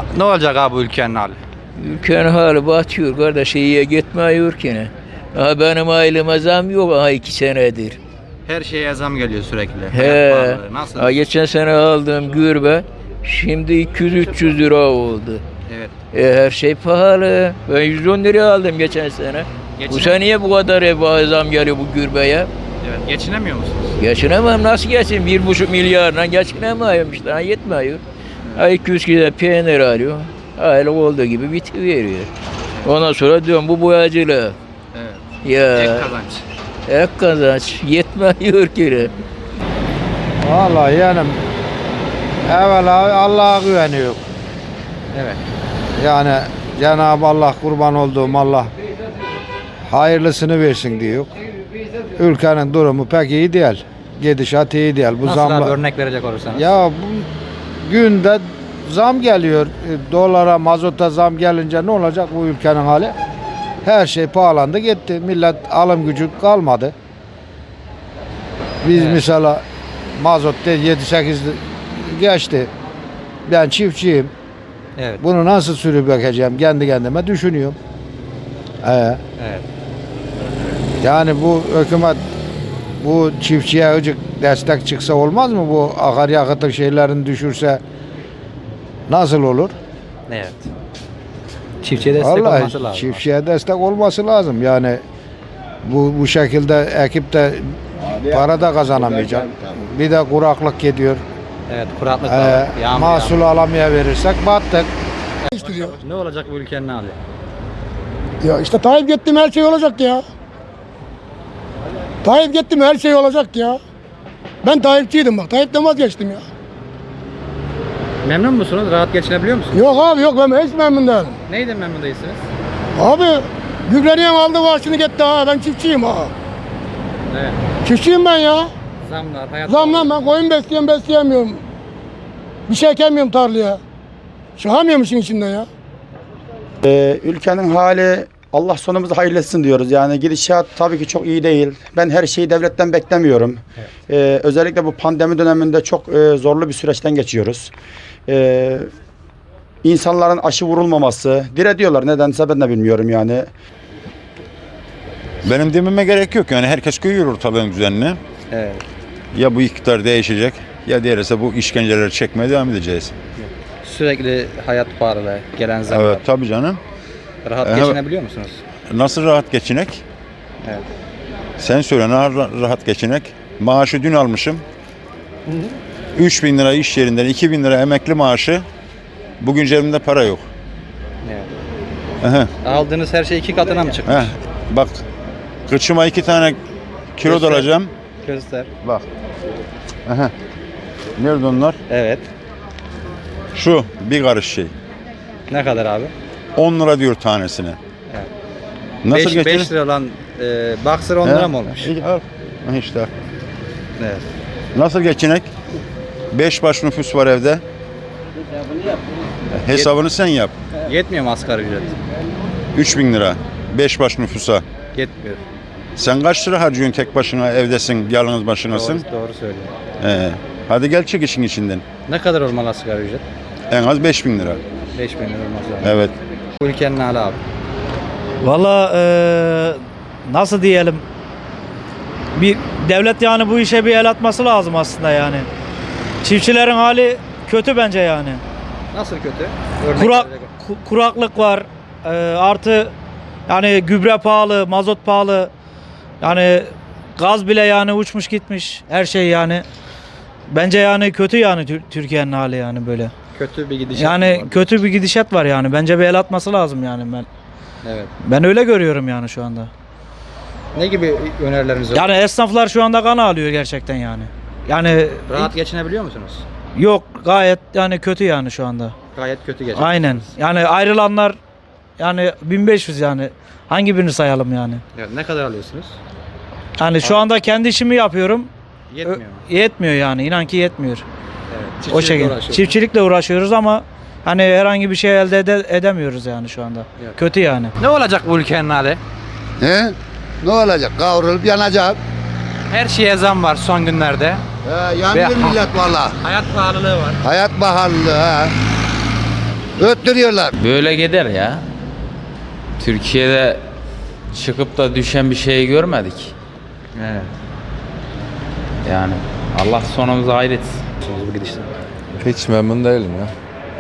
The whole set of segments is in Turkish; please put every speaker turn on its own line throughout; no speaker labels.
Ne olacak abi bu ülkenin hali?
Ülkenin hali batıyor kardeş, iyiye gitmiyor ki ne. Aha benim aileme zam yok aha 2 senedir.
Her şeye zam geliyor sürekli.
He.
Hayat pahalı. Nasıl?
Ha, geçen sene aldığım gürbe şimdi 200-300 lira oldu.
Evet.
Her şey pahalı. Ben 110 liraya aldım geçen sene. Bu sene niye bu kadar zam geliyor bu gürbeye?
Evet. Geçinemiyor musunuz?
Geçinemem, nasıl geçin? 1,5 milyarla geçinemiyorum işte, yetmiyor. 200 kilo peynir alıyor. Öyle olduğu gibi bitiveriyor. Ondan sonra diyorum bu boyacılık.
Evet.
Ya
Ek kazanç.
ek kazanç yetmiyor ki.
Vallahi yani evvela Allah'a güveniyor.
Evet.
Yani Cenab-ı Allah, kurban olduğum Allah hayırlısını versin diyor. Ülkenin durumu pek iyi değil. Gidişat iyi değil. Bu
Nasıl
zamla...
abi örnek verecek olursanız?
Ya bu günde zam geliyor. Dolara, mazota zam gelince ne olacak bu ülkenin hali? Her şey pahalandı gitti. Millet alım gücü kalmadı. Biz
Evet.
mesela mazotta 7-8 geçti. Ben çiftçiyim.
Evet.
Bunu nasıl sürüp bakacağım kendi kendime düşünüyorum.
Evet.
Yani bu hükümet bu çiftçiye azıcık destek çıksa olmaz mı? Bu akaryakıtın şeylerini düşürse nasıl olur?
Evet. Çiftçiye destek
Vallahi
olması lazım.
çiftçiye destek olması lazım. Yani bu şekilde ekip de para da kazanamayacak. Bir de kuraklık gidiyor.
Evet, kuraklık var. Yağmur
Mahsul alamaya verirsek battık.
yağmur. Ne olacak bu ülkenin hali?
Ya işte Tayyip gitti mi her şey olacak ya. Tayyip gitti mi her şey olacak ya. Ben Tayyipçiydim bak. Tayyip'ten vazgeçtim ya.
Memnun musunuz? Rahat geçinebiliyor musunuz?
Yok abi yok, ben hiç memnun değilim.
Neyden memnun değilsiniz?
Abi gübreliğin aldı başını gitti ha. Ben çiftçiyim ha.
Evet.
Çiftçiyim ben ya.
Zamlar, hayat
Zamla ben koyun besliyorum, besleyemiyorum. Bir şey ekemiyorum tarlaya. Çıkamıyorum işin içinden ya.
Ülkenin hali Allah sonumuzu hayırlı etsin diyoruz. Yani gidişat tabii ki çok iyi değil. Ben her şeyi devletten beklemiyorum. Özellikle bu pandemi döneminde çok zorlu bir süreçten geçiyoruz. İnsanların aşı vurulmaması, diretiyorlar nedense ben de bilmiyorum yani.
Benim dememe gerek yok yani herkes koyuyor ortalığın düzenini.
Evet.
Ya bu iktidar değişecek ya diğerse bu işkenceleri çekmeye devam edeceğiz.
Sürekli hayat pahalı, gelen zamlar.
Evet tabii canım.
Rahat
Evet.
geçinebiliyor musunuz?
Nasıl rahat geçinek?
Evet.
Sen söyle nasıl rahat geçinek? Maaşı dün almışım. 3.000 lira iş yerinden 2.000 lira emekli maaşı. Bugün cebimde para yok.
Evet.
Aha,
Aldığınız her şey 2 katına mı çıkmış?
aha. Bak kıçıma 2 tane kilo
Göster.
dolacağım.
Göster.
Bak. Aha. Nerede onlar?
Evet.
Şu bir karış şey.
Ne kadar abi?
10 lira diyor tanesine.
Evet.
Nasıl
5
geçirir?
lira olan boxer 10 lira mı olmuş?
Al. Ha İşte.
Evet.
Nasıl geçinek? 5 baş nüfus var evde. Hesabını sen yap.
Yetmiyor mu asgari ücret?
3.000 lira. 5 baş nüfusa.
Yetmiyor.
Sen kaç lira harcıyorsun tek başına evdesin, yalnız başınasın?
Doğru söylüyor.
Hadi gel çık işin içinden.
Ne kadar olmalı asgari ücret?
En az 5.000 lira.
5 bin lira olmaz lazım.
Evet.
Bu ülkenin hali abi.
Valla nasıl diyelim, bir devlet yani bu işe bir el atması lazım aslında yani. Çiftçilerin hali kötü bence yani.
Nasıl kötü? Örnek
Kurak,
verecek-
kuraklık var, artı yani gübre pahalı, mazot pahalı, yani gaz bile yani uçmuş gitmiş, her şey yani. Bence yani kötü yani Türkiye'nin hali yani böyle.
Kötü bir gidişat
Yani
var.
kötü bir gidişat var yani. Bence bir el atması lazım yani ben.
Evet.
Ben öyle görüyorum yani şu anda.
Ne gibi önerileriniz var?
Yani esnaflar şu anda kan ağlıyor gerçekten yani. Yani
Rahat geçinebiliyor musunuz?
yok, gayet yani kötü yani şu anda.
Gayet kötü geçiyor.
Aynen. Yani ayrılanlar yani 1500 yani. Hangi birini sayalım yani?
Evet, ne kadar alıyorsunuz?
Yani şu anda kendi işimi yapıyorum.
Yetmiyor mu?
Yetmiyor yani. İnan ki yetmiyor.
Evet.
O
Çiftçilikle
şekilde.
uğraşıyorsunuz.
Çiftçilikle uğraşıyoruz ama hani herhangi bir şey elde edemiyoruz yani şu anda.
Yok.
Kötü yani.
Ne olacak bu ülkenin hali?
He? Ne olacak? Kavrulup yanacak.
Her şeye zam var son günlerde.
Yanıyor
Ve-
millet valla.
Hayat pahalılığı var.
Hayat pahalılığı ha. Öttürüyorlar.
Böyle gider ya. Türkiye'de çıkıp da düşen bir şey görmedik.
Evet.
Yani Allah sonumuzu hayretsin.
Bu gidişte.
Hiç memnun değilim ya.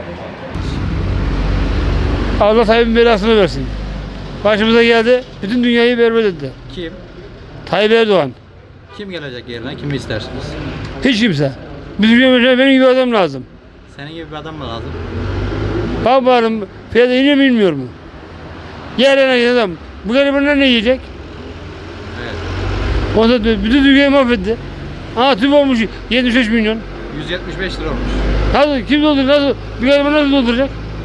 Allah Tayyip'in belasını versin. Başımıza geldi, bütün dünyayı berbat etti.
Kim?
Tayyip Erdoğan.
Kim gelecek yerine? Kimi istersiniz?
Hiç kimse. Bizim ülkemizde benim gibi adam lazım.
Senin gibi bir adam mı lazım?
Babanım fiyatı iniyor mu inmiyor mu? Yerine giden adam. Bu garibanlar ne yiyecek?
Evet.
Ondan bütün dünyayı mahvetti. Tüp olmuş 73 milyon.
175 lira olmuş.
Nasıl, kim dolduracak? Nasıl, bir gariban nasıl dolduracak?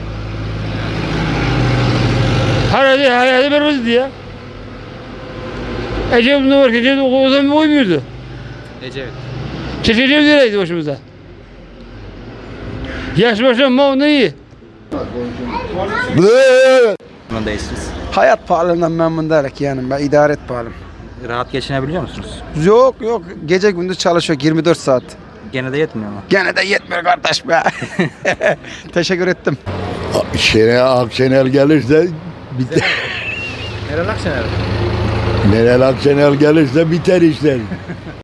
Hayatı berbat etti ya. Ecevit ne var ki? Ecevit o zaman uymuyordu.
Ecevit.
Ecevit nereydi başımıza? Yaş başım mı ondan iyi.
Bunun değilsiniz.
Hayat pahalılığından memnun değilim yani. Ben idare et pahalım.
Rahat geçinebiliyor musunuz?
Yok gece gündüz çalışıyor 24 saat.
Gene de yetmiyor mu?
Gene de yetmiyor kardeş be. Teşekkür ettim.
Akşener gelirse
Meral Akşener.
Meral Akşener gelirse biter işler.